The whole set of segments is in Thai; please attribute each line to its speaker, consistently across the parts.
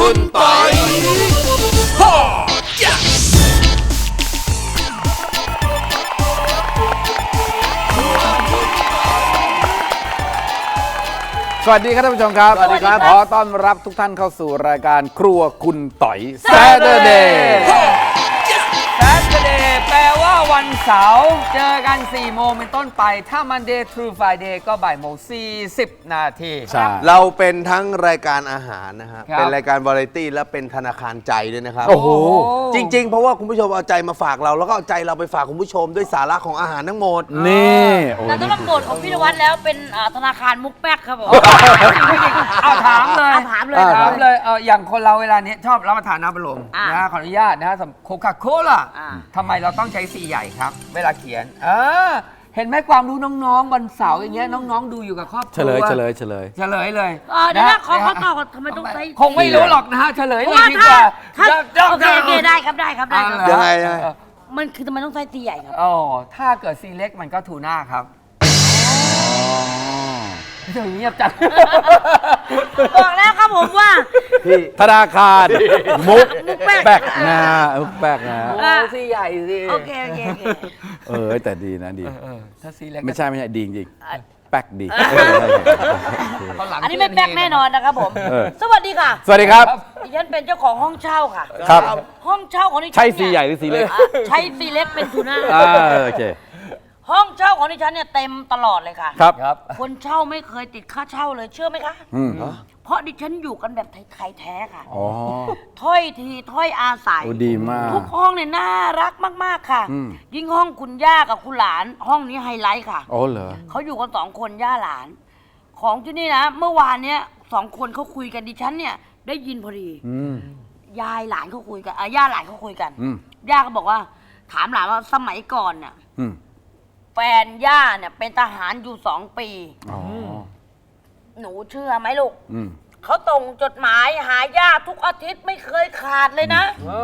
Speaker 1: คุณปอย
Speaker 2: สวัสดีครับท่านผู้ชมครับ
Speaker 1: สวัสดีครับ
Speaker 2: ขอต้อนรับทุกท่านเข้าสู่รายการครัวคุณต่อย Saturday
Speaker 3: Saturday แปลว่าวันเสาร์เจอกัน 4 โมงเป็นต้นไป ถ้า Monday through Friday ก็บ่ายโมง40 นาที
Speaker 2: ใช่
Speaker 1: เราเป็นทั้งรายการอาหารนะฮะ
Speaker 3: ครับ
Speaker 1: เป็นรายการวาไรตี้และเป็นธนาคารใจด้วยนะครับ
Speaker 2: โอ้โห
Speaker 1: จริงๆ เพราะว่าคุณผู้ชมเอาใจมาฝากเราแล้วก็เอาใจเราไปฝากคุณผู้ชมด้วยสาระของอาหารทั้งหมด
Speaker 2: นี่โอ้
Speaker 4: แต่ต้องรับบทของพี่นวัดแล้วเป็นธนาคารมุกแป๊กครับผม
Speaker 3: เอาถามเลย
Speaker 4: ถามเลย
Speaker 3: ถามเลยอย่างคนเราเวลานี้ชอบรับประทานน้ำอัดลม
Speaker 4: อ่ะ
Speaker 3: นะขออนุญาตนะโคคาโคล่า
Speaker 4: อ่ะ
Speaker 3: ทำไมเราต้องใช้สีใหญ่ครับ เวลาเขียนเห็นไหมความรู้น้องๆวันเสาร์อย่างเงี้ยน้องๆดูอยู่กับครอบครัว
Speaker 2: เฉลย
Speaker 3: เฉลยเลย
Speaker 4: เดี๋ยวนะขอตอบก่อนทำไมต้องใช้
Speaker 3: คงไม่รู้หรอกนะฮะเฉลย
Speaker 4: เพ
Speaker 3: เล
Speaker 4: ราะ
Speaker 3: ย
Speaker 4: ว่า
Speaker 3: ดีกว่า
Speaker 4: ถ้าโอเคได้ครับได้ครับได้ครับ
Speaker 1: ยังไง
Speaker 4: มันคือทำไมต้องใช้ตีใหญ่ครับ
Speaker 3: อ๋อถ้าเกิดซีเล็กมันก็ทูน่าครับไม่ใช่เงียบจัง
Speaker 4: บอกแล้วครับผมว่า
Speaker 2: ธนาคารมุก
Speaker 4: แป๊ก
Speaker 2: แป๊กนะมุกแป๊กนะ
Speaker 3: โอ้ซีใหญ่สิ
Speaker 4: โอเคโอเค
Speaker 2: แต่ดีนะดี
Speaker 3: ถ้าซีเล็ก
Speaker 2: ไม่ใช่ดีจริงๆแป๊กดี
Speaker 4: อันนี้ไม่แป๊กแน่นอนนะครับผม
Speaker 2: เออ
Speaker 4: สวัสดีค่ะ
Speaker 2: สวัสดีครับ
Speaker 4: ดิฉันเป็นเจ้าของห้องเช่าค่ะ
Speaker 2: ครับ
Speaker 4: ห้องเช่าของดิฉัน
Speaker 2: ใช่
Speaker 4: เนี่ย
Speaker 2: สีใหญ่หรือสีเล็ก
Speaker 4: ใช้ซีเล็กเป็นทูน่า
Speaker 2: โอเค
Speaker 4: ห้องเช่าของดิฉันเนี่ยเต็มตลอดเลยค่ะ
Speaker 2: ครับ
Speaker 3: ครับ
Speaker 4: คนเช่าไม่เคยติดค่าเช่าเลยเชื่อไหมคะ
Speaker 2: อืม
Speaker 4: เพราะดิฉันอยู่กันแบบไทยๆแท้ค่ะ
Speaker 2: อ๋อ
Speaker 4: ถ้อยทีถ้อยอาศัย
Speaker 2: โอ้ดีมาก
Speaker 4: ทุกห้องเนี่ยน่ารักมากๆค่ะ
Speaker 2: อืม
Speaker 4: ยิ่งห้องคุณย่ากับคุณหลาน ห้องนี้ไฮไลท์ค่ะ
Speaker 2: อ๋อเหรอ
Speaker 4: เขาอยู่กัน2 คนย่าหลาน ของที่นี่นะ เมื่อวานเนี้ย2 คนเขาคุยกันดิฉันเนี่ยได้ยินพอดี
Speaker 2: อืม
Speaker 4: ยายหลานเขาคุยกันย่าหลานเขาคุยกัน
Speaker 2: อืม
Speaker 4: ย่าก็บอกว่า ถามหลานว่าสมัยก่อนเนี่ย
Speaker 2: อืม
Speaker 4: แฟนย่าเนี่ยเป็นทหารอยู่2 ปี
Speaker 2: อ๋อ
Speaker 4: หนูเชื่อไหมลูก
Speaker 2: อืม
Speaker 4: เขาส่งจดหมายหาย่าทุกอาทิตย์ไม่เคยขาดเลยนะ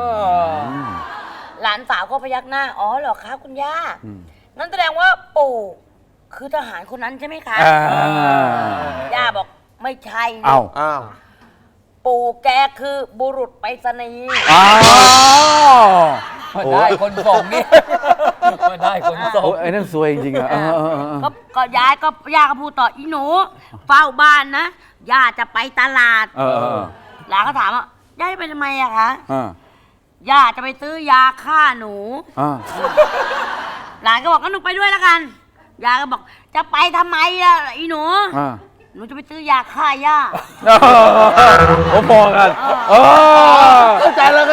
Speaker 4: หลานสาวก็พยักหน้า อ๋อเหรอคะคุณย่า นั่นแสดงว่าปู่คือทหารคนนั้นใช่ไหมคะ ย่าบอกไม่ใช่
Speaker 2: เอา
Speaker 1: อ้าว
Speaker 4: ปู่แกคือบุรุษไปรษณีย์
Speaker 2: อ้าว
Speaker 3: มาได้คนส่งนี่มาได้คนส่ง
Speaker 2: โอ้ยไอ้นั่นซวยจริงๆอะ
Speaker 4: ก็ย่าก็พูดต่ออีหนูเฝ้าบ้านนะย่าจะไปตลาด หลานก็ถามว่าย่าจะไปทำไมอะคะ ย่าจะไปซื้อยาฆ่าหนู หลานก็บอกงั้นหนูไปด้วยแล้วกันยายก็บอกจะไปทำไมล่ะอีหนูหนูจะไปซื้อยาฆ่าย่า
Speaker 2: โอ้พอกัน
Speaker 1: เข้าใจแล้ว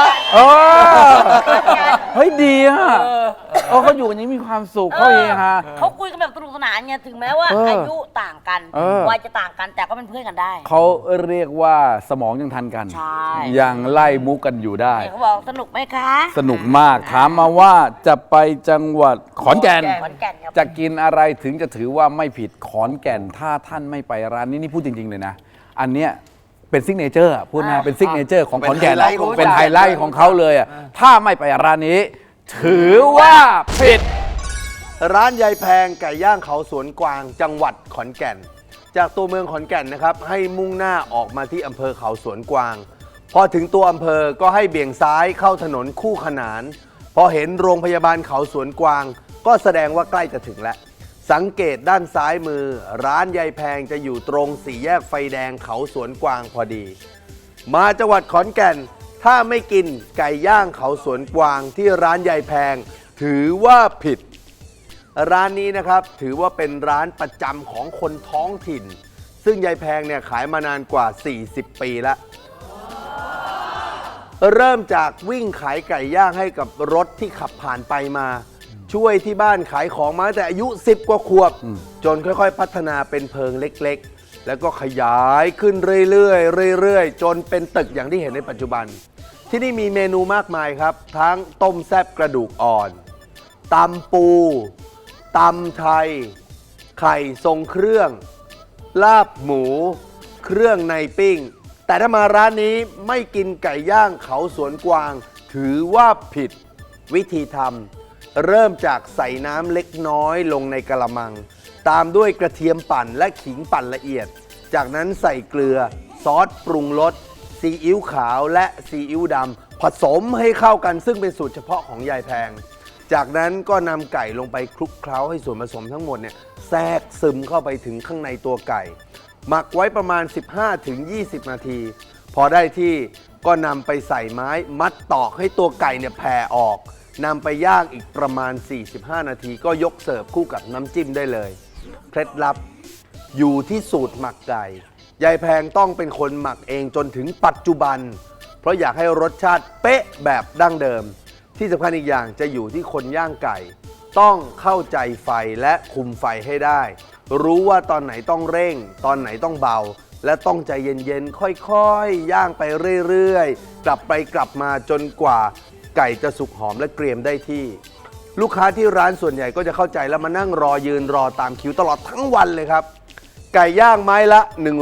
Speaker 2: เฮ้ยดีอ่ะเขาอยู่กันอย่างนี้มีความสุขเขาเองฮะ
Speaker 4: เขาคุยกันแบบสนุกสนานไงถึงแม้ว่าอายุต่างกันวัยจะต่างกันแต่ก็เป็นเพื่อนกันได้
Speaker 2: เขาเรียกว่าสมองยังทันกัน
Speaker 4: ใช่
Speaker 2: ยังไล่มุกกันอยู่ได้
Speaker 4: เขาบอกสนุกไหมคะ
Speaker 2: สนุกมากถามมาว่าจะไปจังหวัดขอนแก่น
Speaker 4: ขอนแก่นครับ
Speaker 2: จะกินอะไรถึงจะถือว่าไม่ผิดขอนแก่นถ้าท่านไม่ไปร้านนี้นี่พูดจริง ๆ เลยนะ อันเนี้ยเป็นซิกเนเจอร์พูดนะเป็นซิกเนเจอร์ของขอนแก่นเป็นไฮไลท์ของเขาเลยอ่ะถ้าไม่ไปร้านนี้ ถือว่าผิด
Speaker 1: ร้านยายแพงไก่ย่างเขาสวนกวางจังหวัดขอนแก่น จากตัวเมืองขอนแก่นนะครับให้มุ่งหน้าออกมาที่อำเภอเขาสวนกวาง พอถึงตัวอำเภอก็ให้เบี่ยงซ้ายเข้าถนนคู่ขนาน พอเห็นโรงพยาบาลเขาสวนกวาง ก็แสดงว่าใกล้จะถึงแล้วสังเกตด้านซ้ายมือ ร้านยายแพงจะอยู่ตรงสี่แยกไฟแดงเขาสวนกวางพอดี มาจังหวัดขอนแก่นถ้าไม่กินไก่ย่างเขาสวนกวางที่ร้านยายแพง ถือว่าผิด ร้านนี้นะครับถือว่าเป็นร้านประจำของคนท้องถิ่น ซึ่งยายแพงเนี่ยขายมานานกว่า 40 ปีแล้ว เริ่มจากวิ่งขายไก่ย่างให้กับรถที่ขับผ่านไปมา ช่วยที่บ้านขายของมาตั้งแต่อายุ 10 กว่าขวบ จนค่อยๆพัฒนาเป็นเพิงเล็กๆ แล้วก็ขยายขึ้นเรื่อยๆจนเป็นตึกอย่างที่เห็นในปัจจุบัน ที่นี่มีเมนูมากมายครับ ทั้งต้มแซ่บกระดูกอ่อนตำปูตำไทย ไข่ทรงเครื่อง ลาบหมู เครื่องในปิ้ง แต่ถ้ามาร้านนี้ไม่กินไก่ย่างเขาสวนกวาง ถือว่าผิดวิธีทำเริ่มจากใส่น้ำเล็กน้อยลงในกะละมัง ตามด้วยกระเทียมปั่นและขิงปั่นละเอียด จากนั้นใส่เกลือซอสปรุงรสซีอิ๊วขาวและซีอิ๊วดำผสมให้เข้ากันซึ่งเป็นสูตรเฉพาะของยายแพงจากนั้นก็นำไก่ลงไปคลุกเคล้าให้ส่วนผสมทั้งหมดเนี่ยแทรกซึมเข้าไปถึงข้างในตัวไก่หมักไว้ประมาณ 15-20 นาทีพอได้ที่ก็นำไปใส่ไม้มัดตอกให้ตัวไก่เนี่ยแผ่ออกนำไปย่างอีกประมาณ 45 นาทีก็ยกเสิร์ฟคู่กับน้ำจิ้มได้เลยเคล็ดลับอยู่ที่สูตรหมักไก่ยายแพงต้องเป็นคนหมักเองจนถึงปัจจุบันเพราะอยากให้รสชาติเป๊ะแบบดั้งเดิมที่สำคัญอีกอย่างจะอยู่ที่คนย่างไก่ต้องเข้าใจไฟและคุมไฟให้ได้รู้ว่าตอนไหนต้องเร่งตอนไหนต้องเบาและต้องใจเย็นๆค่อยๆย่างไปเรื่อยๆกลับไปกลับมาจนกว่าไก่จะสุกหอมและเกรียมได้ที่ลูกค้าที่ร้านส่วนใหญ่ก็จะเข้าใจแล้วมานั่งรอยืนรอตามคิวตลอดทั้งวันเลยครับไก่ย่างไม้ละ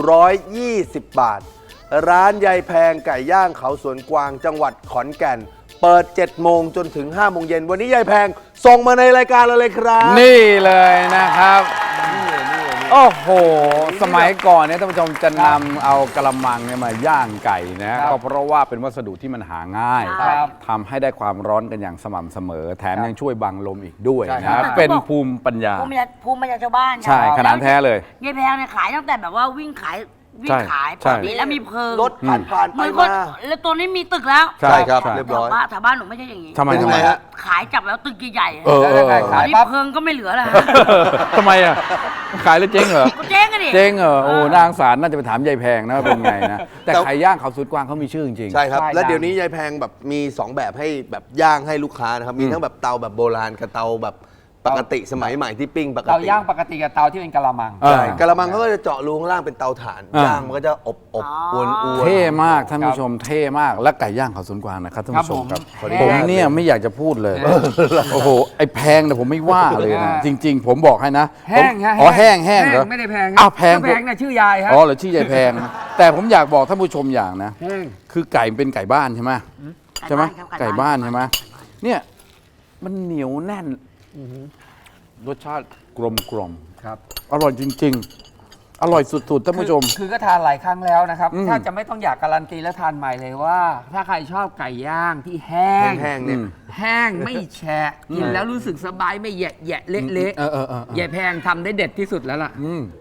Speaker 1: 120 บาทร้านยายแพงไก่ย่างเขาสวนกวางจังหวัดขอนแก่นเปิด 7 โมงจนถึง 5 โมงเย็นวันนี้ยายแพงส่งมาในรายการเราเลยครับ
Speaker 2: นี่เลยนะครับโอ้โหสมัยก่อนเนี่ยท่านผู้ชมจะนำเอากระมังเนี่ยมาย่างไก่นะก็เพราะว่าเป็นวัสดุที่มันหาง่ายทำให้ได้ความร้อนกันอย่างสม่ำเสมอแถมยังช่วยบังลมอีกด้วยนะเป็นภูมิปัญญา
Speaker 4: ภูมิปัญญาชาวบ้าน
Speaker 2: ใช่ขนาดแท้เลย
Speaker 4: ยายแพงเนี่ยขายตั้งแต่แบบว่าวิ่งขายปกติแล้วมีเพลิง
Speaker 1: รถผ่านไปมา
Speaker 4: แล้วตัวนี้มีตึกแล้ว
Speaker 1: ใช่ครับเรียบร้อย
Speaker 4: แถวบ้านหนูไม่ใช่อย่างนี้
Speaker 2: ทำไมฮะ
Speaker 4: ขายจับแล้วตึกใหญ่ๆ
Speaker 3: ขาย
Speaker 4: เพลิงก็ไม่เหลือแล้ว
Speaker 2: ทำไมอ่ะขายแล้วเจ๊งเหรอ
Speaker 4: เจ๊งกันดิ
Speaker 2: เจ๊งเหรอโอ้นางสารน่าจะไปถามยายแพงนะว่าเป็นไงนะแต่ไก่ย่างเขาสุดกวางเขามีชื่อจริง
Speaker 1: ใช่ครับและเดี๋ยวนี้ยายแพงแบบมี2แบบให้แบบย่างให้ลูกค้านะครับมีทั้งแบบเตาแบบโบราณกับเตาแบบปกติสมัยใหม่ที่ปิ้งปกติ
Speaker 3: เตาย่างปกติกับเตาที่เป็นกะละมัง
Speaker 1: ใช่กะละมังเขาก็จะเจาะรูข้างล่างเป็นเตาถ่านย่างมันก็จะอบอวน
Speaker 2: เท่มากท่านผู้ชมเท่มากและไก่ย่างเขาสวนกวางนะครับท่านผู้ชมครับผมเนี่ยไม่อยากจะพูดเลยโอ้โหไอ้แพงเนี่ยผมไม่ว่าเลยนะจริงๆผมบอกให้นะ
Speaker 3: แห้งฮะ
Speaker 2: อ๋อแห้งเหรอ
Speaker 3: ไม่ได้แพง
Speaker 2: อ้าวแพง
Speaker 3: น่ะชื่อยายฮะ
Speaker 2: อ๋อเหรอชื่อยายแพงแต่ผมอยากบอกท่านผู้ชมอย่างนะคือไก่เป็นไก่บ้านใช่ไหมไก่บ้านใช่ไหมเนี่ยมันเหนียวแน่นรสชาติกลม
Speaker 3: ครับ
Speaker 2: อร่อยจริงๆอร่อยสุดๆท่านผู้ชม
Speaker 3: คือก็ทานหลายครั้งแล้วนะครับถ้าจะไม่ต้องอยากการันตีและทานใหม่เลยว่า ถ้าใครชอบไก่ย่างที่แห้ง
Speaker 1: เนี่ย
Speaker 3: แห้งไม่แฉะกินแล้วรู้สึกสบายไม่แยะเละๆยายแพงทำได้เด็ดที่สุดแล้วล่ะ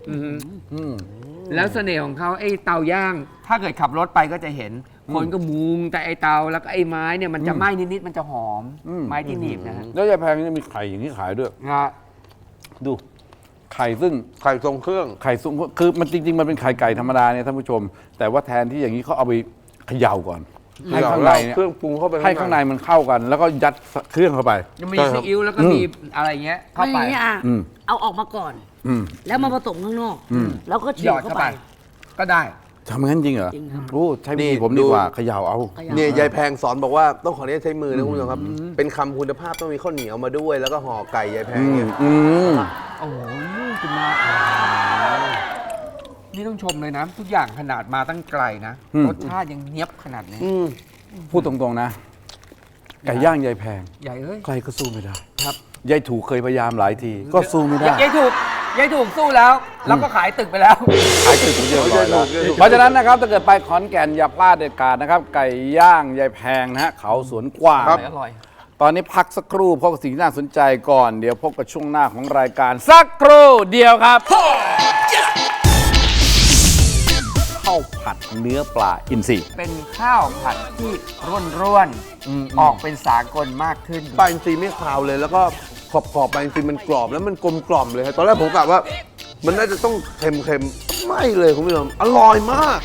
Speaker 3: แล้วเสน่ห์ของเขาไอ้เตาย่างถ้าเกิดขับรถไปก็จะเห็นคนก็มุงแต่ไอ้เตาแล้วก็ไอ้ไม้เนี่ยมันจะไหม้นิดๆมันจะหอมไม้ที่หนีบนะฮะ
Speaker 2: แล้วยายแพงนี่มีไข่อย่างนี้ขายด้วยดูไข่ซึ่ง
Speaker 1: ไข่ทรงเครื่อง
Speaker 2: คือมันจริงๆมันเป็นไข่ไก่ธรรมดาเนี่ยท่านผู้ชมแต่ว่าแทนที่อย่างนี้เขาเอาไปเขย่าก่อนให้ข้างในเนี่ย
Speaker 1: เครื่องปรุงเข้าไป
Speaker 2: ให้ข้างในมันเข้ากันแล้วก็ยัดเครื่องเข้าไป
Speaker 3: มีซีอิ๊วแล้วก็มีอะไรเงี้ยเข้าไป
Speaker 4: เอาออกมาก่อนแล้วมาผสมข้างนอกแล้วก็ฉีดเข้าไป
Speaker 3: ก็ได้
Speaker 2: ทำงั้นจริงเหรอรู้ใช้มือผมดีกว่าเขย่าเอา
Speaker 1: เนี่ยยายแพงสอนบอกว่าต้องขออนุญาตใช้มือนะคุณผู้ชมครับเป็นคำคุณภาพต้องมีข้าวเหนียวมาด้วยแล้วก็ห่อไก่ยายแพงเนี่ย
Speaker 3: โอ้โหคุณมานี่ต้องชมเลยนะทุกอย่างขนาดมาตั้งไกลนะรสชาติยังเนียบขนาดนี้
Speaker 2: พูดตรงๆนะไก่ย่างยายแพง
Speaker 3: ใหญ่เอ้ย
Speaker 2: ใครก็สู้ไม่ได้ครับยายถูกเคยพยายามหลายทีก็สู้ไม่ได้
Speaker 3: ยายถูกสู้แล้วก็ขายตึกไปแล้ว
Speaker 2: ขายตึกเยอะเลยเพราะฉะนั้นนะครับถ้าเกิดไปขอนแก่นอย่าพลาดเด็ดขาดนะครับไก่ย่างยายแพงนะฮะเขาสวนกวาง
Speaker 3: อร่อย
Speaker 2: ตอนนี้พักสักครู่พบกับสิ่งที่น่าสนใจก่อนเดี๋ยวพบกับช่วงหน้าของรายการสักครู่เดียวครับข้าวผัดเนื้อปลาอินทรี
Speaker 3: เป็นข้าวผัดที่ร่วนออกเป็นสากลมากขึ้น
Speaker 1: ปลาอินทรีไม่คาวเลยแล้วก็ขอบปลาอินทรีมันกรอบแล้วมันกลมกล่อมเลยครับตอนแรกผมกะว่ามันน่าจะต้องเค็มไม่เลยคุณผู้ชมอร่อยมาก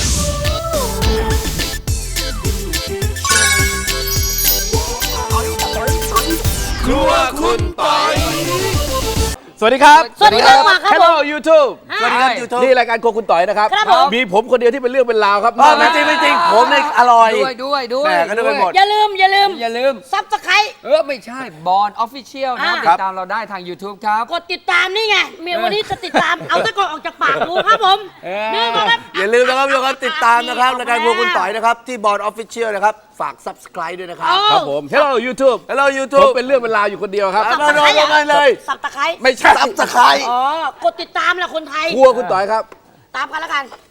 Speaker 2: ครัวคุณปอยสวัสดีครับ
Speaker 4: สวัสดีครับ
Speaker 2: Hello YouTube
Speaker 1: สวัสดีครับ YouTube
Speaker 2: นี่รายการครัวคุณต่อยนะครับมีผมคนเดียวที่เป็นเรื่องเป็นราวครับ
Speaker 1: ไม่จริงผมเนี่ยอร่อย
Speaker 3: ด้วย
Speaker 1: ก็ด้วยหมด
Speaker 4: อย่าลืมซับสไครต์
Speaker 3: ไม่ใช่บอลออฟฟิเชียลนะติดตามเราได้ทาง YouTube ครับ
Speaker 4: กดติดตามนี่ไงวันนี้จะติดตามเอาตะกอนออกจากปากดูครับผม
Speaker 1: อย่าลืมนะครับทุกคนติดตามนะครับรายการครัวคุณต่อยนะครับที่บอลออฟฟิเชียลนะครับฝาก Subscribe ด้วยนะครับ
Speaker 2: ครับผม Hello YouTube ผมเป็นเรื่องเป็นราวอยู่คนเดียวครับ
Speaker 1: มาลงกันเลย
Speaker 4: ซับสไครต์
Speaker 1: ไม่ใช่Subscribe
Speaker 4: กดติดตามแหละคนไทย
Speaker 2: ครัวคุณต่อยครับ
Speaker 4: ตามกันแล้วกัน